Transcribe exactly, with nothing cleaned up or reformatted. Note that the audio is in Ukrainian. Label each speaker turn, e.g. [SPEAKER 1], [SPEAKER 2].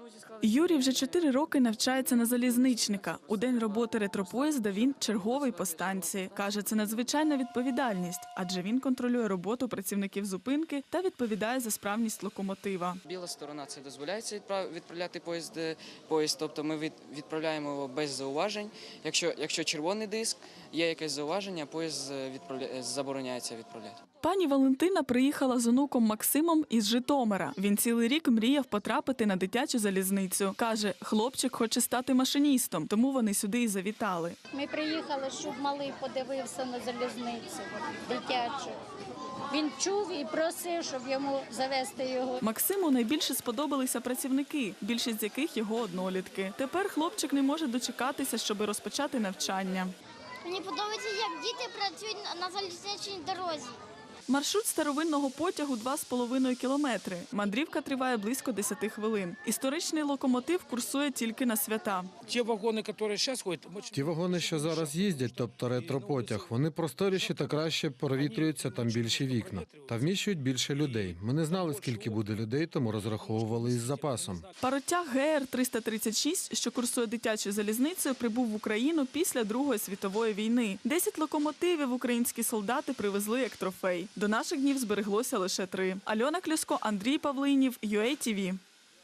[SPEAKER 1] Юрій вже чотири роки навчається на залізничника. У день роботи ретропоїзда він черговий по станції. Каже, це надзвичайна відповідальність, адже він контролює роботу працівників зупинки та відповідає за справність локомотива.
[SPEAKER 2] Біла сторона – це дозволяється відправляти поїзд, поїзд, тобто ми відправляємо його без зауважень. Якщо, якщо червоний диск, є якесь зауваження, поїзд відправля... забороняється відправляти.
[SPEAKER 1] Пані Валентина приїхала з онуком Максимом із Житомира. Він цілий рік мріяв потрапити на дитячу залізницю. Каже, хлопчик хоче стати машиністом, тому вони сюди і завітали.
[SPEAKER 3] Ми приїхали, щоб малий подивився на залізницю дитячу. Він чув і просив, щоб йому завести його.
[SPEAKER 1] Максиму найбільше сподобалися працівники, більшість з яких його однолітки. Тепер хлопчик не може дочекатися, щоб розпочати навчання.
[SPEAKER 4] Мені подобається, як діти працюють на залізничній дорозі.
[SPEAKER 1] Маршрут старовинного потягу – два з половиною кілометри. Мандрівка триває близько десяти хвилин. Історичний локомотив курсує тільки на свята.
[SPEAKER 5] Ті вагони, які зараз ходять,
[SPEAKER 6] Ті вагони, що зараз їздять, тобто ретропотяг, вони просторіші та краще провітрюються, там більші вікна. Та вміщують більше людей. Ми не знали, скільки буде людей, тому розраховували із запасом.
[SPEAKER 1] Паротяг Ге ер триста тридцять шість, що курсує дитячою залізницею, прибув в Україну після Другої світової війни. Десять локомотивів українські солдати привезли як трофей. До наших днів збереглося лише три. Альона Клюско, Андрій Павлинів, ю ей ті ві.